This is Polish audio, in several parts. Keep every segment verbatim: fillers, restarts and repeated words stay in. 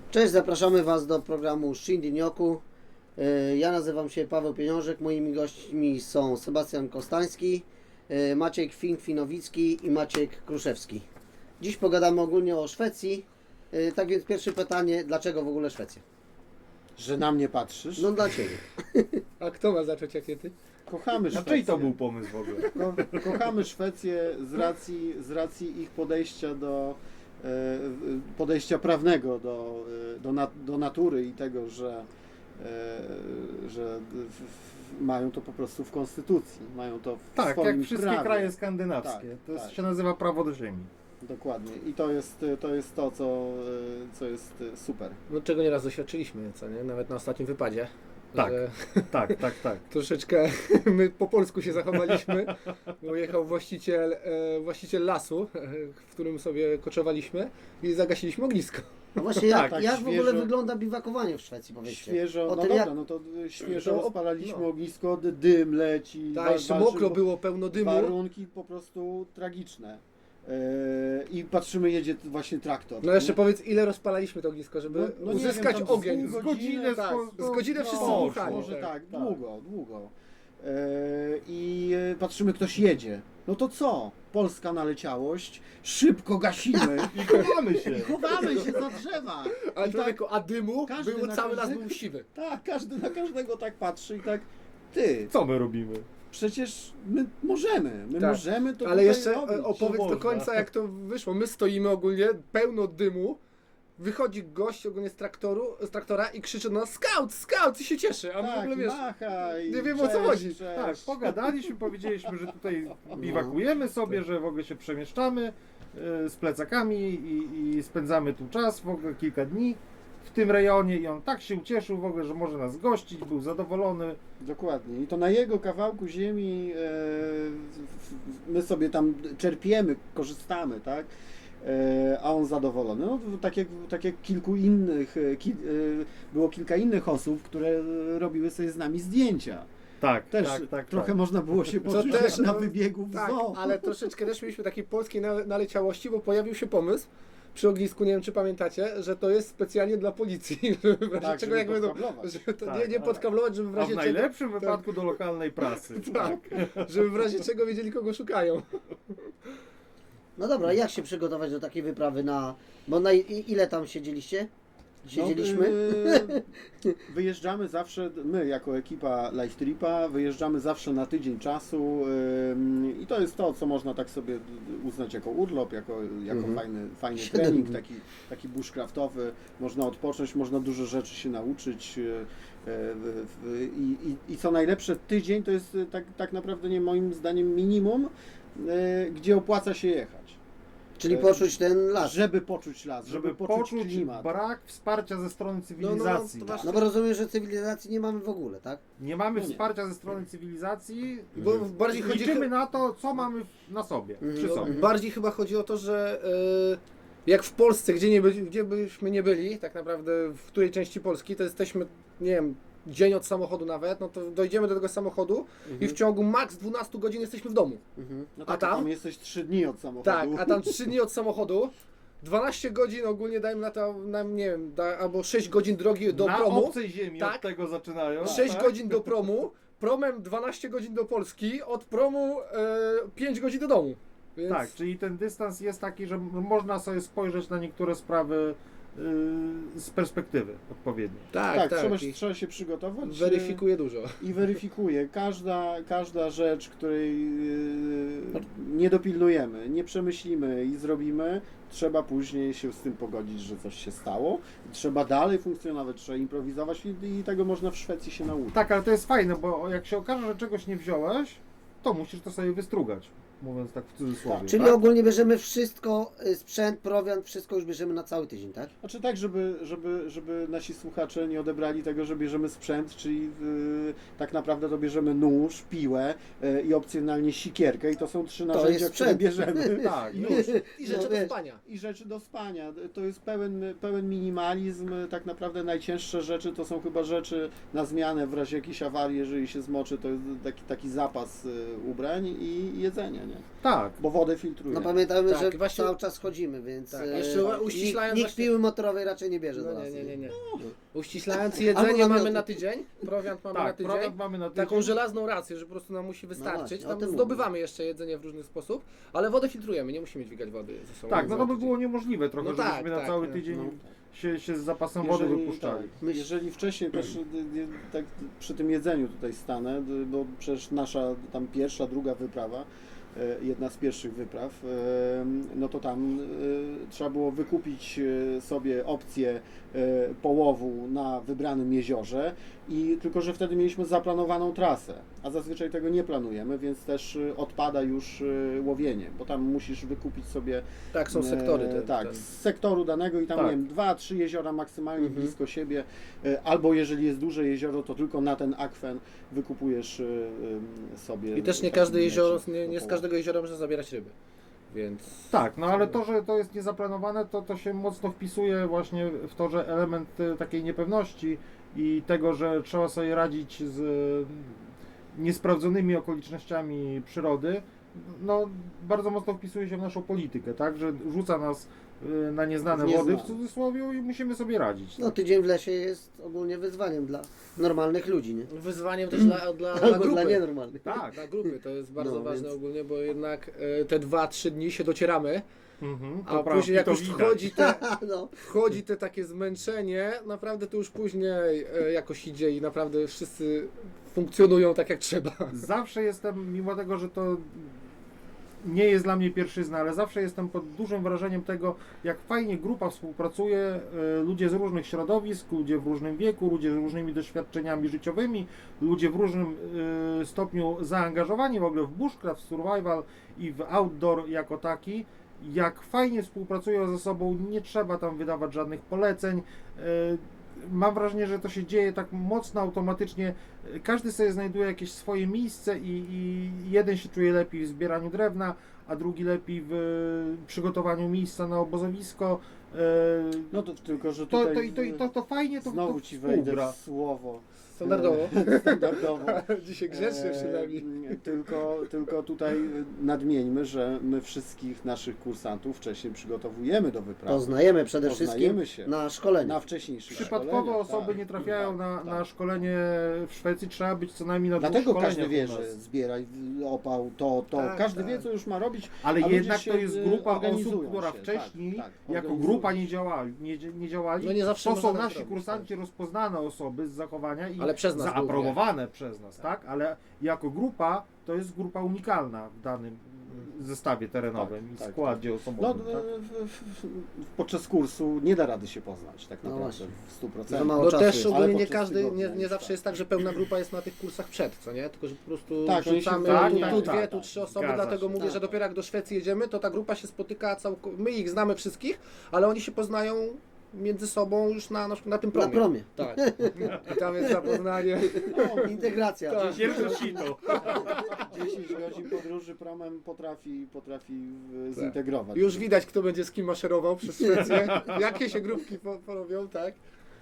Cześć, zapraszamy Was do programu Shindy Nyoku. Ja nazywam się Paweł Pieniążek, moimi gośćmi są Sebastian Kostański, Maciek Fink-Finowicki i Maciek Kruszewski. Dziś pogadamy ogólnie o Szwecji. Tak więc pierwsze pytanie, dlaczego w ogóle Szwecja? Że na mnie patrzysz? No dla Ciebie. A kto ma zacząć, jak nie Ty? Kochamy A Szwecję. czyj to był pomysł w ogóle? Ko kochamy Szwecję z racji, z racji ich podejścia do e, podejścia prawnego do, e, do, nat do natury i tego, że, e, że w, w, mają to po prostu w konstytucji, mają to w Tak, swoim jak wszystkie prawie. kraje skandynawskie. Tak, to jest, tak. się nazywa prawo do ziemi. Dokładnie. I to jest to, jest to co, e, co jest super. No czego nieraz doświadczyliśmy, co nie? Nawet na ostatnim wypadzie. Tak. Że Tak, tak, tak. troszeczkę my po polsku się zachowaliśmy, bo jechał właściciel, e, właściciel lasu, e, w którym sobie koczowaliśmy i zagasiliśmy ognisko. No właśnie, jak, tak, jak w ogóle świeżo- wygląda biwakowanie w Szwecji, powiedzcie? Świeżo, O no tym, dobra, jak- no to e, świeżo To- rozpalaliśmy no. ognisko, dy- dym leci. Tak, wa- jeszcze walczy- mokro było, pełno dymu. Warunki po prostu tragiczne. Yy, I patrzymy, jedzie t- właśnie traktor. No jeszcze nie? powiedz, ile rozpalaliśmy to ognisko, żeby No- no nie uzyskać wiem, tam ogień. z Z godzinę, godzinę, tak, z, z godzinę wszyscy no, dmuchali. Może tak, tak, tak. długo, długo. Yy, I yy, patrzymy, ktoś jedzie. No to co? Polska naleciałość, szybko gasimy I chowamy się. i chowamy się za drzewa. Ale I tak, człowieku, a dymu każdy było na cały las każdego- był siwy. tak, każdy na każdego tak patrzy i tak, ty, Co my robimy? przecież my możemy, my Tak. możemy to Ale tutaj jeszcze robić. e, opowiedz do można. końca, jak to wyszło. My stoimy ogólnie, pełno dymu. Wychodzi gość ogólnie z traktoru, z traktora i krzyczy na nas scout, scout i się cieszy. A my w Tak, ogóle wiesz, machaj, nie wiem, o co cześć, chodzi. Cześć. Tak, pogadaliśmy, powiedzieliśmy, że tutaj biwakujemy sobie, że w ogóle się przemieszczamy e, z plecakami i, i spędzamy tu czas, w ogóle kilka dni w tym rejonie i on tak się ucieszył w ogóle, że może nas gościć, był zadowolony. Dokładnie. I to na jego kawałku ziemi e, w- w- my sobie tam czerpiemy, korzystamy, tak? E, a on zadowolony. No, tak, jak, tak jak kilku innych, e, ki, e, było kilka innych osób, które robiły sobie z nami zdjęcia. Tak, Też tak, tak. trochę tak. można było się To poczuć też, jak na no, wybiegu w tak, zoo. ale troszeczkę też mieliśmy takiej polskiej nale- naleciałości, bo pojawił się pomysł przy ognisku, nie wiem czy pamiętacie, że to jest specjalnie dla policji, żeby w razie Tak, czego żeby jak będą, podkablować. żeby to Tak, nie, nie tak. podkablować, żeby w A razie w czego, najlepszym wypadku do lokalnej prasy. tak, żeby w razie czego wiedzieli kogo szukają. No dobra, jak się przygotować do takiej wyprawy na... Bo na i- ile tam siedzieliście? Siedzieliśmy? No, yy, wyjeżdżamy zawsze, my jako ekipa Life Tripa, wyjeżdżamy zawsze na tydzień czasu yy, i to jest to, co można tak sobie uznać jako urlop, jako, jako Mhm. fajny, fajny Siedem trening, dni. taki, taki bushcraftowy. Można odpocząć, można dużo rzeczy się nauczyć yy, w- w- i, i, i co najlepsze, tydzień to jest yy, tak, tak naprawdę nie moim zdaniem minimum, yy, gdzie opłaca się jechać. Czyli poczuć ten las. Żeby poczuć las, żeby, Żeby poczuć, poczuć klimat. brak wsparcia ze strony cywilizacji. to właśnie- No bo rozumiem, że cywilizacji nie mamy w ogóle, tak? Nie mamy No nie. wsparcia ze strony cywilizacji, Bo bardziej chodzi liczymy na to, co mamy w- na sobie, Mhm. przy sobie. Bardziej chyba chodzi o to, że e, jak w Polsce, gdzie, nie byli, gdzie byśmy nie byli, tak naprawdę w której części Polski, to jesteśmy, nie wiem, dzień od samochodu nawet, no to dojdziemy do tego samochodu i w ciągu maks dwanaście godzin jesteśmy w domu. Mhm. No A tak, tam? tam jesteś trzy dni od samochodu. Tak, a tam trzy dni od samochodu, dwanaście godzin ogólnie dajmy na to, na, nie wiem, da, albo sześć godzin drogi do na promu, obcej ziemi Tak. od tego zaczynają. sześć tak? godzin do promu, promem dwanaście godzin do Polski, od promu e, pięć godzin do domu. Więc Tak, czyli ten dystans jest taki, że m- można sobie spojrzeć na niektóre sprawy yy, z perspektywy odpowiedniej. tak, Tak, tak, trzeba, i trzeba się przygotować. weryfikuje dużo. e, I weryfikuje. Każda, każda rzecz, której e, nie dopilnujemy, nie przemyślimy i zrobimy, trzeba później się z tym pogodzić, że coś się stało. Trzeba dalej funkcjonować, trzeba improwizować i, i tego można w Szwecji się nauczyć. Tak, ale to jest fajne, bo jak się okaże, że czegoś nie wziąłeś, to musisz to sobie wystrugać, mówiąc tak w cudzysłowie. Tak, Czyli tak? ogólnie bierzemy wszystko, y, sprzęt, prowiant, wszystko już bierzemy na cały tydzień, tak? Znaczy tak, żeby, żeby, żeby nasi słuchacze nie odebrali tego, że bierzemy sprzęt, czyli yy, tak naprawdę to bierzemy nóż, piłę yy, i opcjonalnie sikierkę i to są trzy narzędzia, jest które sprzęt. bierzemy. Tak, I już. I rzeczy No do wiesz. spania. I rzeczy do spania. To jest pełen, pełen minimalizm. Tak naprawdę najcięższe rzeczy to są chyba rzeczy na zmianę w razie jakiejś awarii, jeżeli się zmoczy, to jest taki, taki zapas y, ubrań i jedzenia. Nie? nie? Tak. Bo wodę filtruje. No pamiętajmy, Tak, że właśnie- cały czas chodzimy, więc Tak, e, jeszcze nikt, uściślając nikt właśnie- piły motorowej raczej nie bierze do No nas. nie, nie, nie, nie. No. Uściślając Albo jedzenie namioty. mamy na tydzień, prowiant mamy na Tak, tydzień. prowiant mamy na tydzień. Taką żelazną rację, że po prostu nam musi wystarczyć. właśnie, o Tam tym zdobywamy jeszcze jedzenie w różny sposób, ale wodę filtrujemy, nie musimy dźwigać wody ze sobą. Tak, no to by Za było niemożliwe trochę, No tak, żebyśmy na tak, cały no. tydzień No. się, się z zapasem wody Jeżeli, wypuszczali. tak, Myśl- jeżeli wcześniej też y, y, tak przy tym jedzeniu tutaj stanę, y, bo przecież nasza tam pierwsza, druga wyprawa, y, jedna z pierwszych wypraw, y, no to tam y, trzeba było wykupić y, sobie opcję y, połowu na wybranym jeziorze i tylko, że wtedy mieliśmy zaplanowaną trasę, a zazwyczaj tego nie planujemy, więc też y, odpada już y, łowienie, bo tam musisz wykupić sobie Tak, są sektory. E, Te, tak, te. z sektoru danego i tam Tak. nie wiem, dwa, trzy jeziora maksymalnie Mhm. blisko siebie, e, albo jeżeli jest duże jezioro, to tylko na ten akwen wykupujesz e, em, sobie. I też nie taki każde jezioro, mecik nie, do nie z połowu. każdego jeziora można zabierać ryby. Więc. Tak, no ale to, że to jest niezaplanowane, to, to się mocno wpisuje właśnie w to, że element e, takiej niepewności i tego, że trzeba sobie radzić z e, niesprawdzonymi okolicznościami przyrody, no bardzo mocno wpisuje się w naszą politykę, tak, że rzuca nas e, na nieznane W nieznane. wody w cudzysłowie i musimy sobie radzić. No Tak? tydzień w lesie jest ogólnie wyzwaniem dla normalnych ludzi, nie? Wyzwaniem też dla, dla, dla Albo grupy. dla nienormalnych. Tak. Dla grupy to jest bardzo No, ważne więc- ogólnie, bo jednak e, te dwa, trzy dni się docieramy, Mhm, a to później jak to już widać. wchodzi te, No. wchodzi te takie zmęczenie, naprawdę to już później e, jakoś idzie i naprawdę wszyscy funkcjonują tak jak trzeba. Zawsze jestem, mimo tego, że to nie jest dla mnie pierwszyzna, ale zawsze jestem pod dużym wrażeniem tego, jak fajnie grupa współpracuje, e, ludzie z różnych środowisk, ludzie w różnym wieku, ludzie z różnymi doświadczeniami życiowymi, ludzie w różnym e, stopniu zaangażowani w ogóle w bushcraft, survival i w outdoor jako taki. Jak fajnie współpracują ze sobą, nie trzeba tam wydawać żadnych poleceń. E, Mam wrażenie, że to się dzieje tak mocno automatycznie. Każdy sobie znajduje jakieś swoje miejsce i, i jeden się czuje lepiej w zbieraniu drewna, a drugi lepiej w e, przygotowaniu miejsca na obozowisko. E, No to tylko, że to, tutaj to, i to, i to, to fajnie to, znowu to ci wejdę współgra. w słowo. Standardowo. E, Standardowo. Dzisiaj grzecznie przynajmniej. E, tylko, tylko tutaj nadmieńmy, że my wszystkich naszych kursantów wcześniej przygotowujemy do wyprawy. Poznajemy przede Poznajemy wszystkim się. na szkoleniu. Na wcześniejszych Przypadkowe szkoleniach, osoby tak. nie trafiają Tak, na, tak. na szkolenie w Szwecji, trzeba być co najmniej na dwóch Dlatego szkoleniach każdy wie, u nas. że zbieraj opał, to, to. Tak, każdy tak. wie, co już ma robić. Ale a ludzie jednak się, to jest y, grupa organizują osób, która się, wcześniej tak, tak, jako organizują grupa się. nie działali. Nie, nie działali. No nie zawsze to można są tak nasi robić, kursanci, rozpoznane osoby z zachowania i Ale przez nas zaaprobowane przez nas, tak? Ale jako grupa to jest grupa unikalna w danym zestawie terenowym Tak, i tak, składzie No, osobowym. tak? w, w, w, podczas kursu nie da rady się poznać tak No naprawdę właśnie. w stu Za procentach. mało No czasu też jest. ogólnie Ale nie podczas każdy, tygodnia nie, nie jest zawsze tak. jest tak, że pełna grupa jest na tych kursach przed, co nie? Tylko, że po prostu Tak, oni się rzucamy tak, tu, tak, tu tak, dwie, tak. tu trzy osoby, Zgadza dlatego się, mówię, tak. że dopiero jak do Szwecji jedziemy, to ta grupa się spotyka całkowicie, my ich znamy wszystkich, ale oni się poznają między sobą już na, na, na tym Na promie. promie. Tak. I tam jest zapoznanie. No, integracja. Tak. Pierwsze sito. dziesięć godzin podróży promem potrafi, potrafi w- zintegrować. Już widać, kto będzie z kim maszerował przez Szwecję, jakie się grupki po- porobią, tak?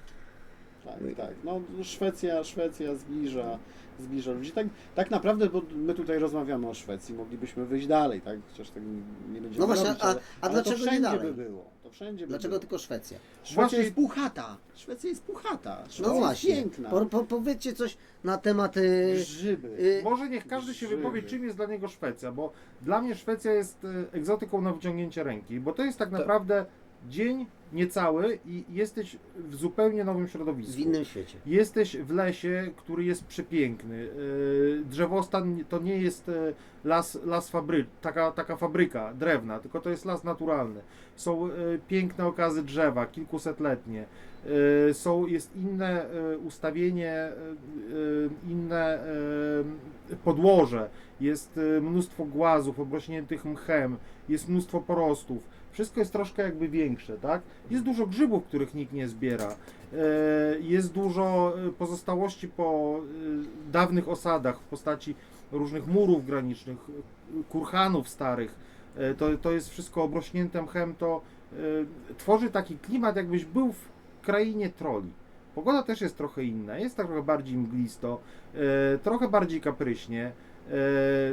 Tak, tak. No Szwecja, Szwecja zbliża, zbliża ludzi. Tak, tak naprawdę, bo my tutaj rozmawiamy o Szwecji, moglibyśmy wyjść dalej, tak? Chociaż tak nie będziemy No właśnie, robić, a- ale, a ale dlaczego to nie wszędzie dalej? by było. To wszędzie by Dlaczego było. tylko Szwecja? Szwecja Właśnie- jest puchata. Szwecja jest puchata. Szwecja No jest właśnie. piękna. Po, po, powiedzcie coś na temat... Y, Grzyby. y, Może niech każdy się Grzyby. wypowie, czym jest dla niego Szwecja, bo dla mnie Szwecja jest e, egzotyką na wyciągnięcie ręki, bo to jest tak naprawdę dzień niecały i jesteś w zupełnie nowym środowisku. w innym świecie. Jesteś w lesie, który jest przepiękny. Yy, Drzewostan to nie jest e, las, las fabry, taka, taka fabryka drewna, tylko to jest las naturalny. Są e, piękne okazy drzewa, kilkusetletnie. E, Są, jest inne e, ustawienie, e, e, inne e, podłoże. Jest e, mnóstwo głazów obrośniętych mchem, jest mnóstwo porostów. Wszystko jest troszkę jakby większe, tak? Jest dużo grzybów, których nikt nie zbiera. E, Jest dużo e, pozostałości po e, dawnych osadach w postaci różnych murów granicznych, e, kurhanów starych. E, To, to jest wszystko obrośnięte mchem, to e, tworzy taki klimat, jakbyś był w krainie troli. Pogoda też jest trochę inna, jest trochę bardziej mglisto, e, trochę bardziej kapryśnie. E,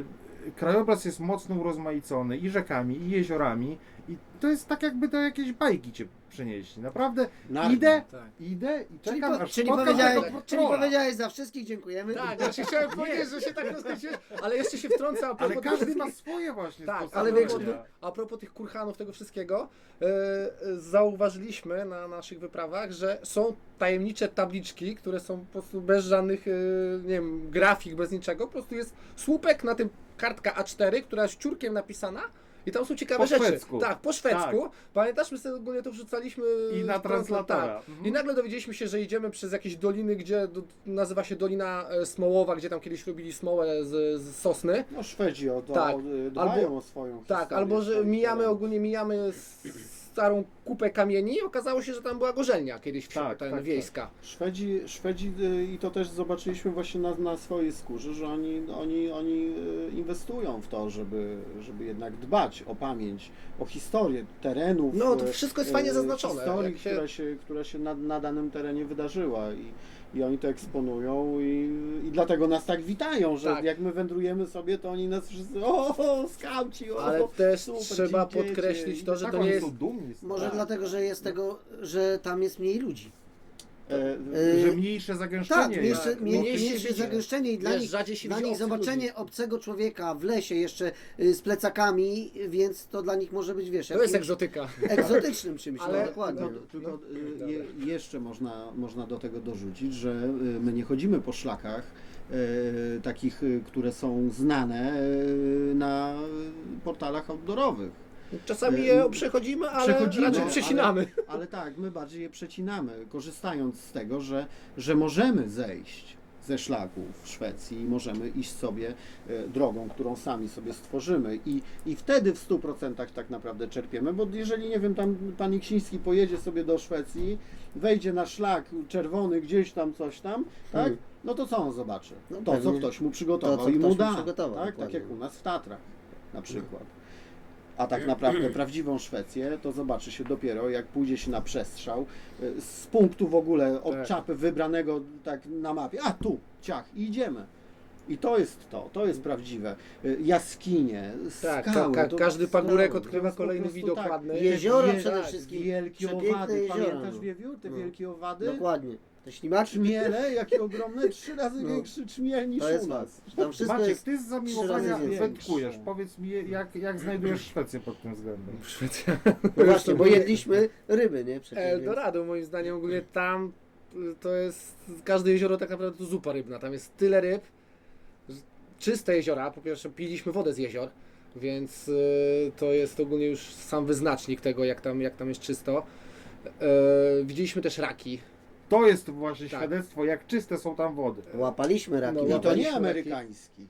krajobraz jest mocno urozmaicony i rzekami, i jeziorami i to jest tak jakby do jakiejś bajki cię przenieśli. Naprawdę Narnia. idę, Tak. idę i Czyli, czekam po, aż czyli, spotkam powiedziałeś, tego czyli patrola. powiedziałeś za wszystkich dziękujemy. Tak, znaczy chciałem powiedzieć, że się tak rozkręciłem, ale jeszcze się wtrącę a Ale propos każdy tych- ma swoje właśnie Tak, sposoby ale wiesz, robienia. a propos tych kurhanów, tego wszystkiego, e, e, zauważyliśmy na naszych wyprawach, że są tajemnicze tabliczki, które są po prostu bez żadnych, e, nie wiem, grafik, bez niczego, po prostu jest słupek, na tym kartka A cztery, która jest ciurkiem napisana i tam są ciekawe Po rzeczy. szwedzku. Tak, po szwedzku. Pamiętasz, my sobie ogólnie to wrzucaliśmy I na w- translatora. Tak. Mhm. I nagle dowiedzieliśmy się, że idziemy przez jakieś doliny, gdzie do, nazywa się Dolina e, Smołowa, gdzie tam kiedyś robili smołę z, z sosny. No Szwedzi o to Tak. o, dbają Albo- o swoją Tak, historię, albo że swoich mijamy terenów. ogólnie mijamy s- starą kupę kamieni i okazało się, że tam była gorzelnia kiedyś wsi, Tak, ten tak, wiejska. Szwedzi, Szwedzi y, i to też zobaczyliśmy właśnie na, na swojej skórze, że oni, oni, oni y, inwestują w to, żeby, żeby jednak dbać o pamięć, o historię terenów. No, to y, wszystko jest fajnie y, zaznaczone, Historii, jak się- która się, która się na, na danym terenie wydarzyła i, i oni to eksponują i, i dlatego nas tak witają, że Tak. jak my wędrujemy sobie, to oni nas wszyscy, o, o skauci, o, Ale też super, trzeba dzięki, podkreślić dzieci. to, że Tak, to oni nie jest... są dumni z tego. Może Tak. dlatego, że jest tego, że tam jest mniej ludzi. E, Y, Że mniejsze zagęszczenie Tak, mniejsze, jest. mniej, mniej się mniejsze widzi. zagęszczenie i dla Wiesz, nich, rzadziej się dla widzi nich obcych zobaczenie ludzi. obcego człowieka w lesie jeszcze y, z plecakami, więc to dla nich może być, wiesz, To jest jakimś egzotyka. egzotycznym czymś, Ale- no dokładnie. No, no. tylko No, y, je, jeszcze można, można do tego dorzucić, że y, my nie chodzimy po szlakach y, takich, y, które są znane y, na portalach outdoorowych. Czasami Y, je przechodzimy, ale Przechodzimy, raczej przecinamy. Ale, ale tak, my bardziej je przecinamy, korzystając z tego, że, że możemy zejść ze szlaków w Szwecji i możemy iść sobie e, drogą, którą sami sobie stworzymy i, i wtedy w stu procentach tak naprawdę czerpiemy, bo jeżeli, nie wiem, tam pan Iksiński pojedzie sobie do Szwecji, wejdzie na szlak czerwony gdzieś tam, coś tam, tak, Hmm. no to co on zobaczy? No To, co pewnie ktoś mu przygotował to, co i mu ktoś mu da, przygotował, tak, tak dokładnie. jak u nas w Tatrach na przykład. A tak naprawdę prawdziwą Szwecję to zobaczy się dopiero, jak pójdzie się na przestrzał y, z punktu w ogóle od Tak. czapy wybranego tak na mapie. A tu, ciach, i idziemy. I to jest to, to jest prawdziwe. Y, Jaskinie, Tak, skały. ka- ka- to każdy skały, pagórek to odkrywa jest po kolejny prostu widok tak. ładny. Jeziora Wie- przede tak, wszystkim. Wielkie Przepiękne owady. jeziora, Pamiętasz, no. Wiewiór, te No. wielkie owady? Dokładnie. Te ślimaki, Czmiele, jakie ogromne, trzy razy No. większy czmiel niż to jest u nas. Tam wszystko Maciek, jest... ty z trzy zamiłowania razy więcej. wędkujesz. Powiedz mi, jak, jak znajdujesz Szwecję pod tym względem? Szwecja. No właśnie, bo jedliśmy ryby, nie? Przecież, więc- Eldorado moim zdaniem ogólnie tam y, to jest, każde jezioro tak naprawdę to zupa rybna, tam jest tyle ryb, że- czyste jeziora, po pierwsze piliśmy wodę z jezior, więc y, to jest ogólnie już sam wyznacznik tego jak tam, jak tam jest czysto. E, widzieliśmy też raki. To jest właśnie Tak. świadectwo, jak czyste są tam wody. Łapaliśmy raki. No, I to łapaliśmy nie raki. amerykański.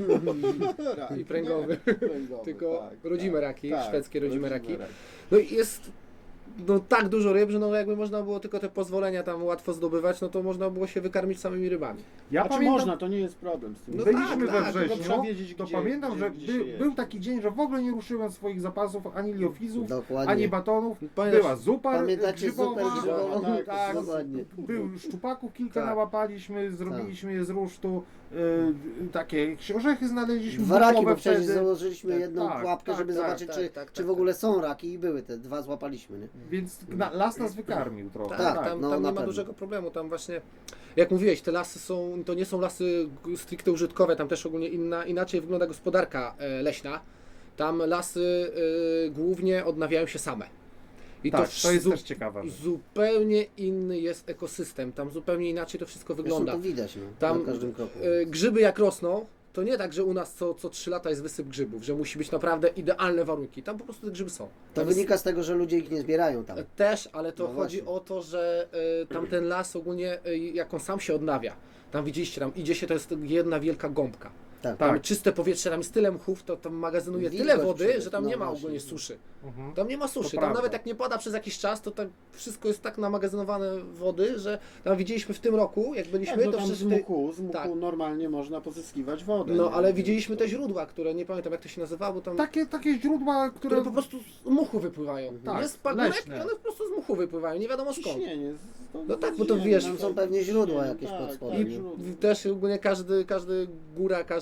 Rak, I pręgowy. nie, pręgowy, Tylko tak, rodzime tak, raki, tak, szwedzkie rodzime raki. No i jest no, tak dużo ryb, że no, jakby można było tylko te pozwolenia tam łatwo zdobywać, no to można było się wykarmić samymi rybami. Ja Znaczy pamiętam, można, to nie jest problem z tym. No byliśmy tak, we tak, tylko wrześniu, trzeba wiedzieć, to gdzie- pamiętam, gdzie- że gdzie się by, jest. był taki dzień, że w ogóle nie ruszyłem swoich zapasów ani liofizów, Dokładnie. ani batonów. Pamiętasz- Była zupa Pamiętacie grzybowa, super grzybową? tak, tak, Dokładnie. był szczupaków kilka Tak. nałapaliśmy, zrobiliśmy je z rusztu, y, takie orzechy znaleźliśmy. Dwa raki, bukowe bo przecież wtedy. założyliśmy Tak, jedną tak, pułapkę, tak, żeby tak, zobaczyć, tak, czy, tak, czy tak, w ogóle są raki i były te dwa złapaliśmy, nie? Więc na, las nas wykarmił trochę. Tak, Tak, tam, no, tam na nie ma pewno. dużego problemu, tam właśnie, jak mówiłeś, te lasy są, to nie są lasy g- stricte użytkowe, tam też ogólnie inna, inaczej wygląda gospodarka e, leśna. Tam lasy e, głównie odnawiają się same. I Tak, w- to jest zu- też ciekawe. zupełnie inny jest ekosystem, tam zupełnie inaczej to wszystko Zresztą wygląda. to widać, no, Tam na każdym kroku. e, grzyby jak rosną, to nie tak, że u nas co, co trzy lata jest wysyp grzybów, że musi być naprawdę idealne warunki. Tam po prostu te grzyby są. To Tam jest- wynika z tego, że ludzie ich nie zbierają tam. Też, ale to No chodzi właśnie. o to, że y, tamten las ogólnie, y, jak on sam się odnawia, tam widzieliście, tam idzie się, to jest jedna wielka gąbka. Tak. Tam Tak. czyste powietrze, tam jest tyle mchów, to tam magazynuje Wilgoć tyle wody, przede- że tam no nie ma właśnie. ogólnie suszy. Mhm. Tam nie ma suszy, tam prawda. nawet jak nie pada przez jakiś czas, to tak wszystko jest tak namagazynowane wody, że tam widzieliśmy w tym roku, jak byliśmy, Tak, no to tam z przecież... Ty... muchu, z muchu tak. normalnie można pozyskiwać wodę. No nie? ale Więc widzieliśmy to- te źródła, które nie pamiętam jak to się nazywało, tam... Takie, takie źródła, które... które po prostu z muchu wypływają. Tak, Jest pagórek leśne. i one po prostu z muchu wypływają, nie wiadomo skąd. Ciśnienie. z- to- No tak, bo to ciśnienie, wiesz, tak, tam są pewnie źródła ciśnienie, jakieś tak, pod spodem. tak, I źródła. też ogólnie każdy, każdy góra, każdy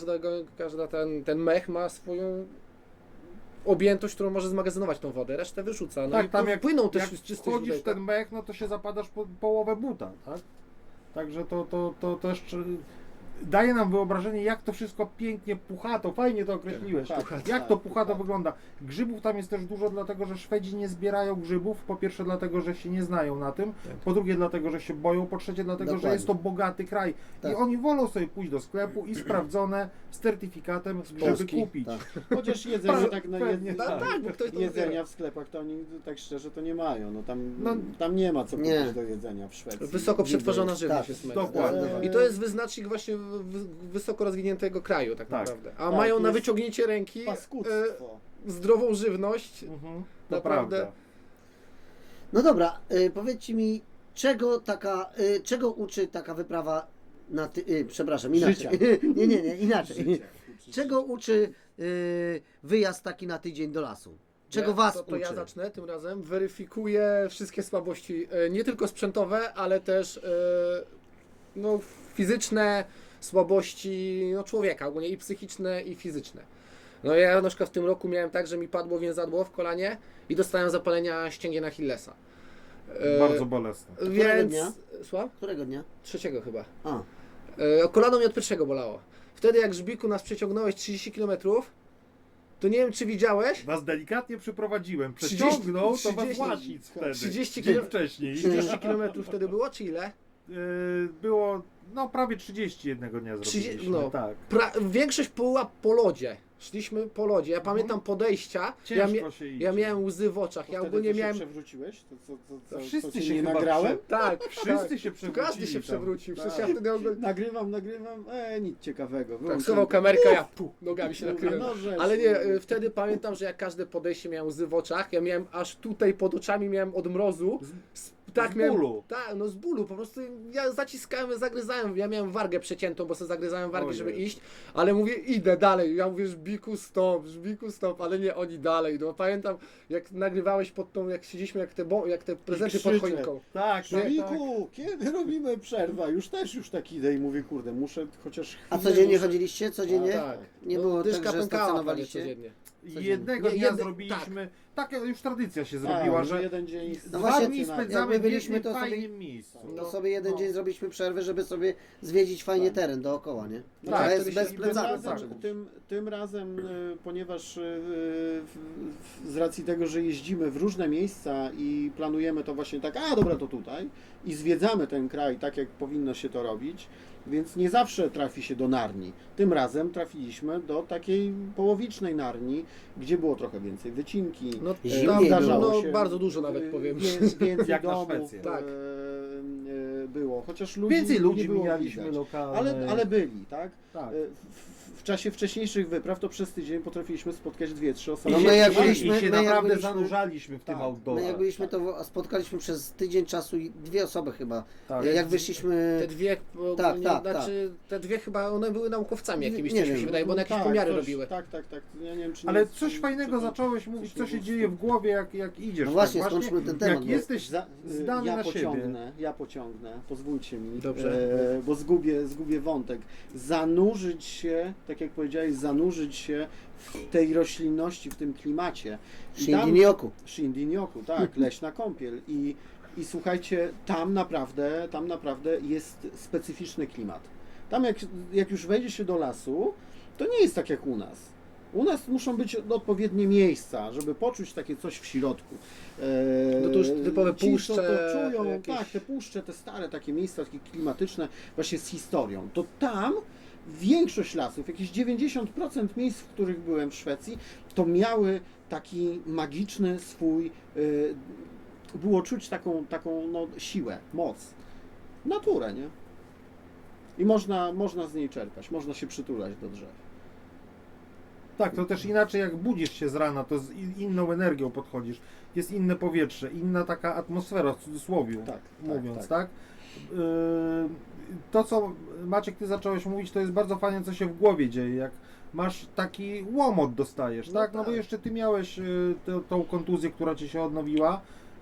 każdego, każda ten, ten mech ma swoją objętość, którą może zmagazynować tą wodę, resztę wyrzuca. No Tak, i tam to jak, płyną też jak czyste wchodzisz w źródełka. ten mech, no to się zapadasz po połowę buta, tak? Także to, to, to też czy- daje nam wyobrażenie, jak to wszystko pięknie puchato, fajnie to określiłeś, Tak, jak tak, to puchato tak. wygląda. Grzybów tam jest też dużo, dlatego że Szwedzi nie zbierają grzybów, po pierwsze dlatego, że się nie znają na tym, po drugie dlatego, że się boją, po trzecie dlatego, Dokładnie. że jest to bogaty kraj i Tak. oni wolą sobie pójść do sklepu i sprawdzone z certyfikatem grzyby Polski, kupić. tak. Chociaż jedzenie tak na Pewnie jed... No tak, bo ktoś to jedzenia wybiera. w sklepach to oni tak szczerze to nie mają. No tam, No, tam nie ma co nie. kupić do jedzenia w Szwecji. Wysoko Niby- przetworzona żywność tak, jest mega. dokładnie. I to jest wyznacznik właśnie w- w- wysoko rozwiniętego kraju tak, Tak. naprawdę. A Tak, mają na jest wyciągnięcie ręki e, Paskudztwo. zdrową żywność. Mhm, to Naprawdę. prawda. No dobra, y, powiedzcie mi, czego taka, y, czego uczy taka wyprawa na ty, y, przepraszam, inaczej. Życia. nie, nie, nie, inaczej. Życia. Czego uczy y, wyjazd taki na tydzień do lasu? Czego Ja- was to, to uczy? ja zacznę tym razem. Weryfikuję wszystkie słabości, e, nie tylko sprzętowe, ale też e, no, fizyczne słabości no, człowieka, ogólnie i psychiczne, i fizyczne. No ja na przykład w tym roku miałem tak, że mi padło więzadło w kolanie i dostałem zapalenia ścięgien Achillesa. E, Bardzo bolesne. Więc... dnia? Słucham? Którego dnia? Trzeciego chyba. A, E, kolano mi od pierwszego bolało. Wtedy jak Żbiku nas przeciągnąłeś trzydzieści kilometrów, to nie wiem czy widziałeś, Was delikatnie przyprowadziłem. trzydzieści Przeciągnął to was trzydzieści Łasic wtedy. trzydzieści Dzień kilo- wcześniej. trzydzieści kilometrów wtedy było, czy ile? Yy, Było no prawie trzydzieści jednego dnia trzydzieści zrobiliśmy. no. Tak. Pra- większość była po lodzie. Szliśmy po lodzie. Ja pamiętam podejścia. Ja, Ciężko mia- się idzie. ja miałem łzy w oczach. To Ja wtedy ogólnie ty się miałem. przewróciłeś? To, co, co, co, To wszyscy co ci się nie chyba nagrałem? prze- Tak, Wszyscy tak. się przewrócili. Każdy się tam. przewrócił. Przecież Tak. ja wtedy ogólnie. Nagrywam, nagrywam, e, nic ciekawego. Tak, Wyłączyłem schował to. kamerkę, ja pu, nogami się Mówię, nakryłem. no, że- Ale nie, y, wtedy pamiętam, że jak każde podejście miałem łzy w oczach. Ja miałem aż tutaj pod oczami miałem od mrozu. Z, tak, z miałem, bólu. Tak, no z bólu. Po prostu ja zaciskałem, zagryzałem. Ja miałem wargę przeciętą, bo sobie zagryzałem wargę, Ojej. żeby iść. Ale mówię, idę dalej. Ja mówię, Żbiku stop, Żbiku stop, ale nie, oni dalej. No pamiętam, jak nagrywałeś pod tą, jak siedzieliśmy, jak te, bo, jak te prezenty pod krzyczę. choinką. Tak, tak, tak. Szmiku, kiedy robimy przerwę? Już też już tak idę i mówię, kurde, muszę chociaż a chwilę codziennie muszę- chodziliście? Codziennie? A, tak. Nie No, było tak, dyszka że pękała prawie stacjonowaliście? codziennie. Jednego Nie, dnia jedne- zrobiliśmy, taka już tradycja się A, zrobiła, że że jeden dzień No dwa właśnie, dni jak my spędzamy jak w my byliśmy, jednym to sobie- fajnym miejscu. To No, sobie jeden no. dzień zrobiliśmy przerwę, żeby sobie zwiedzić fajnie Tak. teren dookoła, nie? Tak, Tak, wtedy jest się bez I tym plecaków. razem, znaczy. tym, tym razem, y, ponieważ y, w, w, z racji tego, że jeździmy w różne miejsca i planujemy to właśnie tak, a dobra, to tutaj i zwiedzamy ten kraj tak, jak powinno się to robić, więc nie zawsze trafi się do Narni. Tym razem trafiliśmy do takiej połowicznej Narni, gdzie było trochę więcej wycinki. No, e, Zimniej zdarzało było. No, się, bardzo dużo nawet y, powiem. Wie, więcej Jak na domów Szwecję. Tak. e, e, było, chociaż ludzi Więcej nie ludzi było mijaliśmy widać. lokalnych. Ale, ale byli, tak? Tak. E, W, w czasie wcześniejszych wypraw to przez tydzień potrafiliśmy spotkać dwie, trzy osoby. No I my się, jak i się- byliśmy- i się my jak naprawdę byliśmy- zanurzaliśmy w tym Tak. outdoorze. My jak byliśmy, to spotkaliśmy przez tydzień czasu i dwie osoby chyba. Tak. Jak wyszliśmy... Te dwie, Tak, ogólnie, tak, znaczy, te dwie chyba, one były naukowcami jakimiś, Nie coś mi wiem, się wydaje, bo one jakieś tak, pomiary coś, robiły. Tak, tak, tak. Ja nie wiem, czy Ale nie, coś czy- fajnego czy- zacząłeś mówić, coś co nie się było dzieje z w głowie, jak, jak idziesz. No właśnie, tak skończmy ten temat, Jak bo- jesteś Za, zdany ja na siebie. pociągnę, ja pociągnę, pozwólcie mi, Dobrze. e, bo zgubię, zgubię wątek. Zanurzyć się, tak jak powiedziałeś, zanurzyć się w tej roślinności, w tym klimacie. I tam- Shindinyoku. Shindinyoku, tak, leśna kąpiel. I, I słuchajcie, tam naprawdę, tam naprawdę jest specyficzny klimat. Tam jak, jak już wejdzie się do lasu, to nie jest tak jak u nas. U nas muszą być odpowiednie miejsca, żeby poczuć takie coś w środku. Eee, No to już typowe ci, co puszcze to czują, jakieś. tak, te puszcze, te stare takie miejsca, takie klimatyczne, właśnie z historią. To tam większość lasów, jakieś dziewięćdziesiąt procent miejsc, w których byłem w Szwecji, to miały taki magiczny swój, y, było czuć taką, taką no, siłę, moc, naturę, nie? I można, można z niej czerpać, można się przytulać do drzew. Tak, to też inaczej jak budzisz się z rana, to z in- inną energią podchodzisz. Jest inne powietrze, inna taka atmosfera w cudzysłowie Tak, mówiąc, tak, tak? Yy, to co Maciek ty zacząłeś mówić, to jest bardzo fajne, co się w głowie dzieje, jak masz taki łomot dostajesz, No tak? No bo tak. jeszcze ty miałeś yy, tę- tą kontuzję, która ci się odnowiła,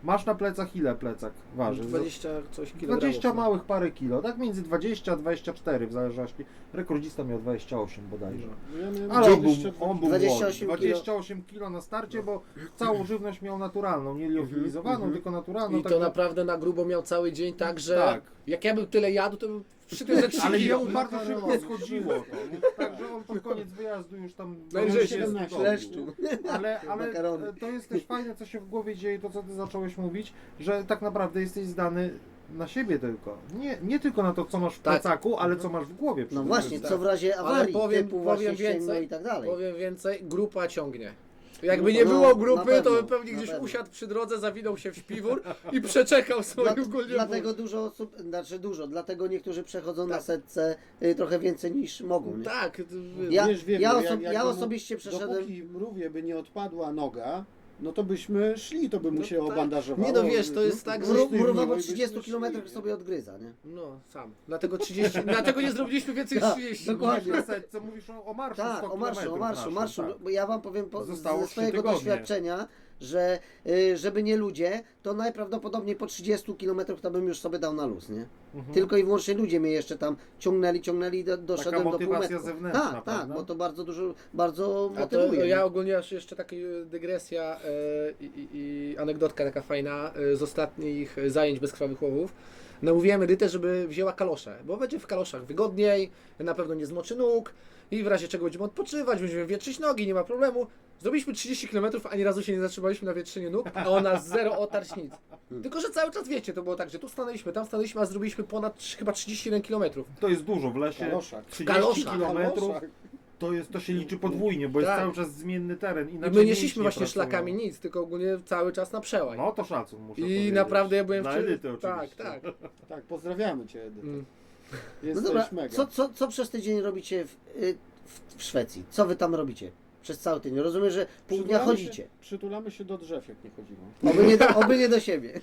Masz na plecach ile plecak waży? dwadzieścia coś kilogramów. dwadzieścia no. małych parę kilo, tak między dwadzieścia a dwadzieścia cztery w zależności. Rekordzista miał dwadzieścia osiem bodajże. Ja miałem Ale on był, dwadzieścia dwa on był dwadzieścia osiem młody. dwadzieścia osiem kilo na starcie, bo całą żywność miał naturalną, nie liofilizowaną, mhm. tylko naturalną. I tak to na- naprawdę na grubo miał cały dzień, tak, że Tak. jak ja bym tyle jadł, to bym przytył ze trzy Ale kilo. jemu bardzo szybko schodziło to. Także on pod koniec wyjazdu już tam... Najwyżej się siedemnaście zgodził. leszczu. Ale, ale Makarony. e, to jest też fajne, co się w głowie dzieje, to co ty zacząłeś mówić, że tak naprawdę jesteś zdany na siebie tylko. Nie, nie tylko na to, co masz w Tak. plecaku, ale co masz w głowie. No przede właśnie, wszystkim. co w razie Ale awarii, powiem, typu właśnie powiem ścięgno więcej, i tak dalej. powiem więcej, grupa ciągnie. Jakby No, nie no, było na grupy, pewno, to by pewnie na gdzieś pewno. usiadł przy drodze, zawinął się w śpiwór i przeczekał swoją Dla, ogólnie dlatego dużo osób, znaczy dużo, dlatego niektórzy przechodzą na Tak. setce y, trochę więcej niż mogą. Nie? Tak, Ja- Wiesz, wiem, ja no, oso- jak- ja jakby mu- osobiście przeszedłem- Dopóki mrówie by nie odpadła noga, no to byśmy szli, to by mu No się tak. obandażowało. Nie no, wiesz, to jest tak, że- Mró- sztywniło Mrówa i po byśmy trzydziestu szli, kilometrach nie? sobie odgryza, nie? No, sam. Dlatego trzydzieści, dlatego nie zrobiliśmy więcej niż Tak, trzydzieści. dokładnie. Na setce mówisz o, o marszu Tak, sto o marszu, o kilometrów marszu, naszym, marszu. tak. Bo ja wam powiem po, Zostało ze trzy swojego tygodnie. doświadczenia, że y, żeby nie ludzie, to najprawdopodobniej po trzydziestu kilometrach to bym już sobie dał na luz, nie? Mhm. Tylko i wyłącznie ludzie mnie jeszcze tam ciągnęli, ciągnęli, do, Taka doszedłem do motywacja półmetku. zewnętrzna, Tak, tak, prawda? bo to bardzo dużo, bardzo A to motywuje. ja nie? ogólnie aż jeszcze taka dygresja e, i, i, i anegdotka taka fajna e, z ostatnich zajęć bezkrwawych łowów. Namówiłem Edytę, żeby wzięła kalosze, bo będzie w kaloszach wygodniej, na pewno nie zmoczy nóg i w razie czego będziemy odpoczywać, będziemy wietrzyć nogi, nie ma problemu. Zrobiliśmy trzydzieści kilometrów, ani razu się nie zatrzymaliśmy na wietrzeniu nóg, a ona zero otarć nic. Tylko, że cały czas wiecie, to było tak, że tu stanęliśmy, tam stanęliśmy, a zrobiliśmy ponad trz- chyba trzydzieści jeden kilometrów. To jest dużo w lesie. Kaloszach. trzydzieści Kaloszach. kilometrów Kaloszach. to jest, to się liczy podwójnie, bo jest Tak. cały czas zmienny teren. I inaczej my nie mięśnie szliśmy właśnie pracują. szlakami nic, tylko ogólnie cały czas na przełaj. No to szacun muszę I powiedzieć. naprawdę ja byłem Na w czym- Edytę Tak, oczywiście. tak. Tak, pozdrawiamy Cię, Edyta. Mm. No Jesteś dobra, mega. co, co, co przez tydzień robicie w, y, w, w Szwecji? Co wy tam robicie? Przez cały tydzień. Rozumiem, że pół dnia Przytulamy chodzicie. Się, przytulamy się do drzew, jak nie chodzimy. Oby nie do, oby nie do siebie.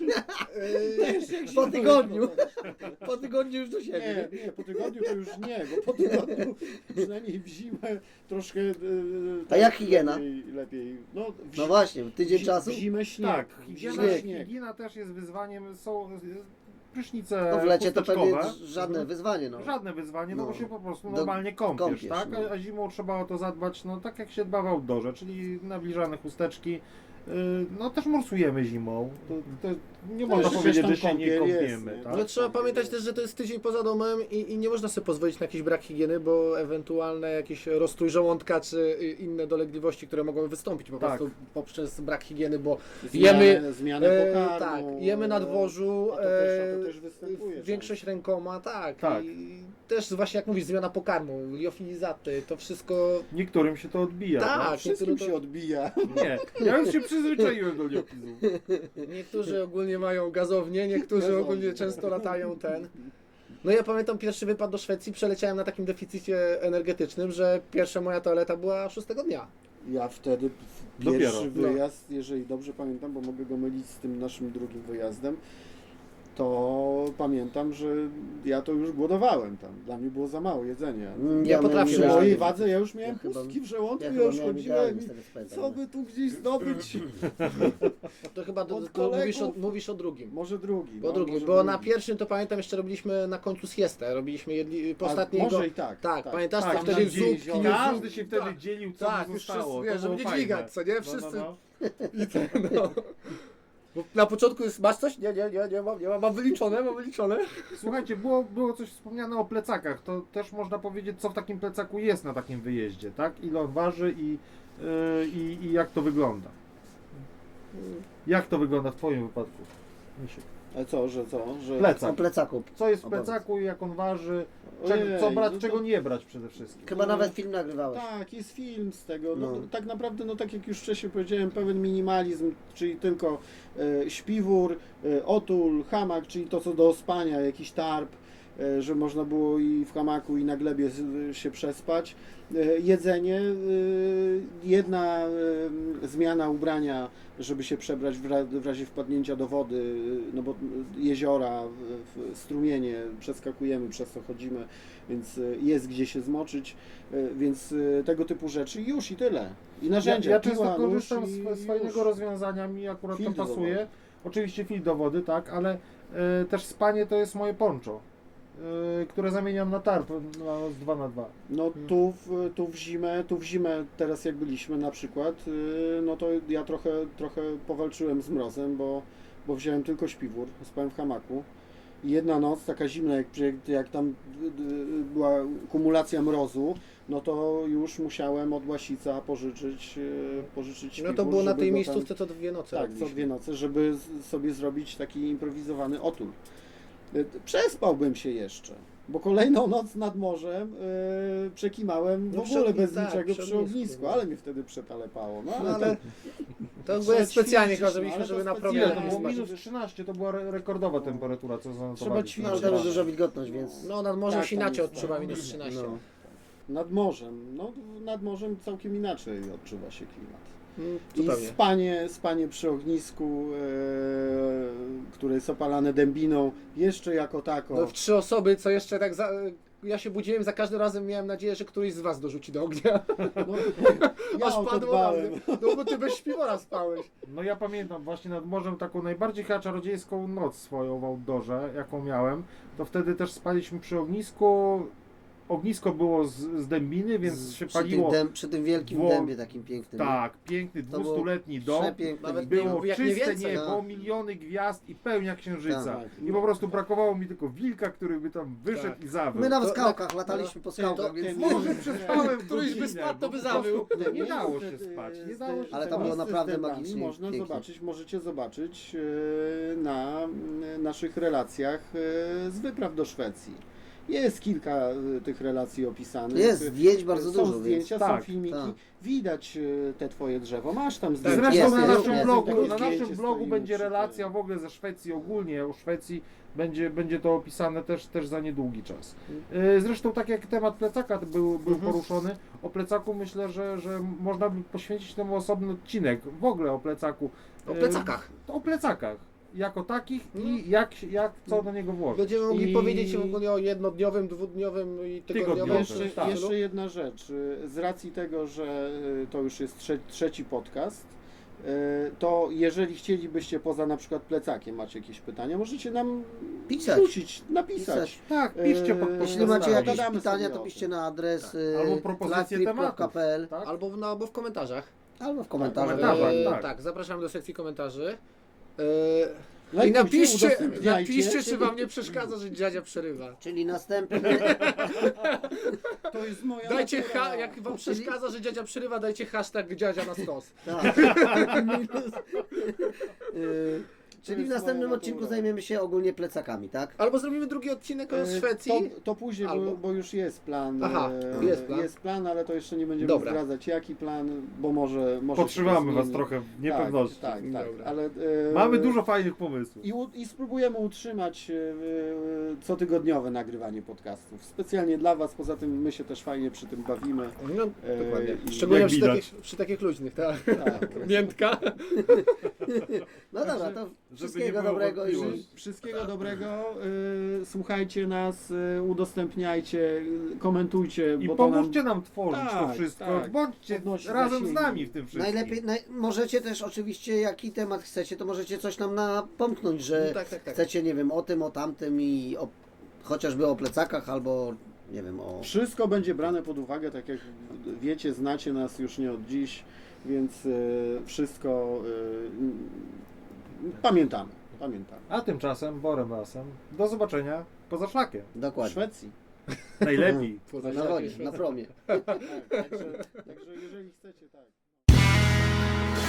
Yy, Po tygodniu. Po tygodniu już do siebie. Nie, nie, po tygodniu to już nie, bo po tygodniu przynajmniej w zimę troszkę... Yy, A jak higiena? Lepiej, lepiej. No, w, No właśnie, tydzień w, czasu. W zimę śnieg. Tak, W higiena, zimę Śnieg. śnieg. higiena też jest wyzwaniem. Są prysznice No w lecie to pewnie chusteczkowe. żadne Mhm. wyzwanie. No. Żadne wyzwanie, no, No. bo się po prostu Do- normalnie kąpiesz, kąpiesz, tak? no. A, a zimą trzeba o to zadbać, no tak jak się dba w outdoorze, czyli nawilżane chusteczki. Yy, no też morsujemy zimą. To, to nie można jakaś powiedzieć, tam że się nie kąpiel jest, kąpiemy, nie? tak? Ale trzeba pamiętać też, że to jest tydzień poza domem i, i nie można sobie pozwolić na jakiś brak higieny, bo ewentualne jakieś rozstrój żołądka czy inne dolegliwości, które mogą wystąpić po Tak. prostu poprzez brak higieny, bo Zmianę, jemy, zmianę e, pokarmu. tak, jemy na dworzu, A to też, a to e, też występuje. większość rękoma, tak, Tak. i też właśnie jak mówisz, zmiana pokarmu, liofilizaty, to wszystko, Niektórym się to odbija. Tak. no. Wszystkim niektóre to- się odbija. Nie, ja już się przyzwyczaiłem do liopizów. niektórzy ogólnie mają gazownię, niektórzy Gazownię. ogólnie często latają ten. No ja pamiętam pierwszy wypad do Szwecji, przeleciałem na takim deficycie energetycznym, że pierwsza moja toaleta była szóstego dnia. Ja wtedy w Dopiero, pierwszy no. wyjazd, jeżeli dobrze pamiętam, bo mogę go mylić z tym naszym drugim wyjazdem, to pamiętam, że ja to już głodowałem tam. Dla mnie było za mało jedzenia. Mm, Ja potrafię Przy Ja- miałem- mojej wadze ja już miałem Ja chyba- pustki w żołądku, Ja ja, chyba już miałem chodziłem idealnie i z tego co pamiętam, co no. by tu gdzieś zdobyć? To chyba do, Od to mówisz, o, kolegów. mówisz o drugim. Może drugi. Po no, drugim, może bo drugi. na pierwszym to pamiętam jeszcze robiliśmy na końcu siestę, robiliśmy jedli, po A ostatniego... może i tak. Tak, pamiętasz, Tak, co tam wtedy dzieli- zupki, zupki, Każdy się tak. wtedy dzielił, co Tak, mu już zostało. wszyscy, wiesz, To żeby było nie fajne. dźwigać, co nie? No, Wszyscy- no, no. I ten, no. Bo na początku jest, masz coś? Nie, nie, nie, nie mam, nie mam, mam wyliczone, mam wyliczone. Słuchajcie, było, było coś wspomniane o plecakach. To też można powiedzieć, co w takim plecaku jest na takim wyjeździe, tak? Ile on waży i, yy, i, i jak to wygląda. Jak to wygląda w Twoim wypadku, Misiek? Ale co, że co? Że... O Plecak. plecaku. Co jest w Opowiedz. plecaku i jak on waży? Czego, Ojej, co brać, no to- czego nie brać przede wszystkim? Chyba No. nawet film nagrywałeś. Tak, jest film z tego. No, No. tak naprawdę, no tak jak już wcześniej powiedziałem, pełen minimalizm, czyli tylko e, śpiwór, e, otul, hamak, czyli to co do spania, jakiś tarp, e, że można było i w hamaku, i na glebie z- się przespać. E, Jedzenie, e, jedna e, zmiana ubrania, żeby się przebrać w ra- w razie wpadnięcia do wody, no bo jeziora, w- w- strumienie, przeskakujemy, przez to chodzimy, więc e, jest gdzie się zmoczyć, e, więc e, tego typu rzeczy i już i tyle. I narzędzia, Ja, ja piła, często nóż korzystam i z, z fajnego już. rozwiązania, mi akurat Filtr to do pasuje. wody. Oczywiście filtr do wody, tak, ale e, też spanie to jest moje poncho, e, które zamieniam na tarp na dwa na dwa. No tu w, tu w zimę, tu w zimę teraz jak byliśmy na przykład, yy, no to ja trochę, trochę powalczyłem z mrozem, bo, bo wziąłem tylko śpiwór, spałem w hamaku. I jedna noc, taka zimna, jak, przy- jak tam y, y, była kumulacja mrozu, no to już musiałem od Łasica pożyczyć, yy, pożyczyć śpiwór. No to było na żeby tej go miejscówce co dwie noce Tam, tak, co robiliśmy. dwie noce, żeby z- sobie zrobić taki improwizowany otul. Y, Przespałbym się jeszcze. Bo kolejną noc nad morzem yy, przekimałem w No przy ogóle ogni- bez tak, niczego przy przy ognisku, ognisku, no. ale mnie wtedy przetalepało. No ale, No, ale to, to było specjalnie ćwiczyć, chyba, żebyśmy, no, ale to żeby na specjalnie. Ile promieniu to nie było? spać. Minus trzynaście, to była re- rekordowa temperatura, co zanotowaliśmy. ćwiczyć. No, tam jest duża wilgotność, więc... No nad morzem Tak, się tam inaczej jest, odczuwa no. minus trzynaście. No. nad morzem, no nad morzem całkiem inaczej odczuwa się klimat. Mm, I Zupełnie. spanie, spanie przy ognisku, e, które jest opalane dębiną, jeszcze jako tako. No w trzy osoby, co jeszcze tak za... Ja się budziłem, za każdym razem miałem nadzieję, że któryś z was dorzuci do ognia. No, ja Aż o to padło na dbałem. mnie. No bo ty bez śpiwora spałeś. No ja pamiętam właśnie nad morzem taką najbardziej chyba czarodziejską noc swoją w outdoorze, jaką miałem, to wtedy też spaliśmy przy ognisku. Ognisko było z, z dębiny, więc Z- się przy, tym paliło. dęb, przy tym wielkim Wło- dębie takim pięknym. Tak, piękny, To było dwustuletni dom. Przepiękne. Nawet wideo. Było jak nie czyste więcej, niebo, no. miliony gwiazd i pełnia księżyca. Tak. I po prostu brakowało mi tylko wilka, który by tam wyszedł Tak. i zawył. My na To- skałkach lataliśmy po skałkach, to- więc... Może przespałem Któryś by godzinę, spadł, to bo by po prostu zawył. Nie dało się Niestety, spać, nie z- dało się Ale te tam było miejsce z naprawdę dębami magicznie Można pięknie. zobaczyć, możecie zobaczyć e, na m, naszych relacjach e, z wypraw do Szwecji. Jest kilka e, tych relacji opisanych. Jest zdjęć bardzo są dużo, zdjęcia, więc- są tak, filmiki. tak. Widać e, te twoje drzewo. Masz tam zdjęcia. Zresztą Jest, na jest, naszym jest. blogu, Takie na zdjęcie naszym blogu stoimy będzie przy relacja tym. w ogóle ze Szwecji ogólnie, o Szwecji będzie, będzie to opisane też, też za niedługi czas. Yy, Zresztą tak jak temat plecaka był, był Mhm. poruszony, o plecaku myślę, że, że można by poświęcić temu osobny odcinek, w ogóle o plecaku. O Yy, plecakach. O plecakach. Jako takich No. i jak, się- jak co do niego włożyć. Będziemy mogli I- powiedzieć ogólnie o jednodniowym, dwudniowym i tygodniowym. Tygodniowym. Jeszcze, Tak. jeszcze jedna rzecz. Y, Z racji tego, że y, to już jest trze trzeci podcast, y, to jeżeli chcielibyście poza na przykład plecakiem, macie jakieś pytania, możecie nam Pisać. rzucić, napisać. Pisać. Tak, piszcie pod Eee, Jeśli podcastami. macie jakieś Gadamy pytania, sobie to o piszcie tym. na adres Tak. y, Albo propozycje livetrip kropka tematów. p l Tak? Albo, w, no, albo w komentarzach. albo w komentarzach. komentarzach. Eee, tak. tak, zapraszamy do sekcji komentarzy. Eee, I Lajkujcie, napiszcie, udostępniajcie. napiszcie, czy wam nie przeszkadza, że dziadzia przerywa. Czyli następny... To jest moja Dajcie natura. ha, jak wam przeszkadza, że dziadzia przerywa, dajcie hashtag dziadzia na stos. Tak. Minus. Y, Czyli w jest następnym moja odcinku natura. zajmiemy się ogólnie plecakami, tak? Albo zrobimy drugi odcinek o E, Szwecji. To, to później, Albo- bo, bo już jest plan. Aha, e, jest plan. Jest plan, ale to jeszcze nie będziemy Dobra. zdradzać jaki plan, bo może. może się Podtrzymamy to was zmieni. trochę w niepewności. Tak, tak, tak. Dobra. Ale, e, Mamy dużo fajnych pomysłów. I, u, I spróbujemy utrzymać e, e, cotygodniowe nagrywanie podcastów. Specjalnie dla Was, poza tym my się też fajnie przy tym bawimy. No, E, dokładnie. i Szczególnie jak przy widać. takich, przy takich luźnych, tak? Tak. Miętka. No dobra, to nie wszystkiego było dobrego i wątpliwości. Wszystkiego dobrego. e, słuchajcie nas, e, udostępniajcie, e, komentujcie. I bo to nam pomóżcie nam tworzyć to Tak, wszystko. tak. Bądźcie Podnosi razem z zasięgi. nami w tym wszystkim. najlepiej, naj, możecie też oczywiście, jaki temat chcecie, to możecie coś nam napomknąć, że No tak, tak, tak. chcecie, nie wiem, o tym, o tamtym i o, chociażby o plecakach albo, nie wiem, o... Wszystko będzie brane pod uwagę, tak jak wiecie, znacie nas już nie od dziś, więc e, wszystko e, pamiętamy. Pamiętamy. A tymczasem, Borem Lasem, do zobaczenia poza szlakiem. W Dokładnie. Szwecji. Najlepiej. Poza Na szlakiem wodzie, Szwecji. na promie. Tak, także, także jeżeli chcecie, tak.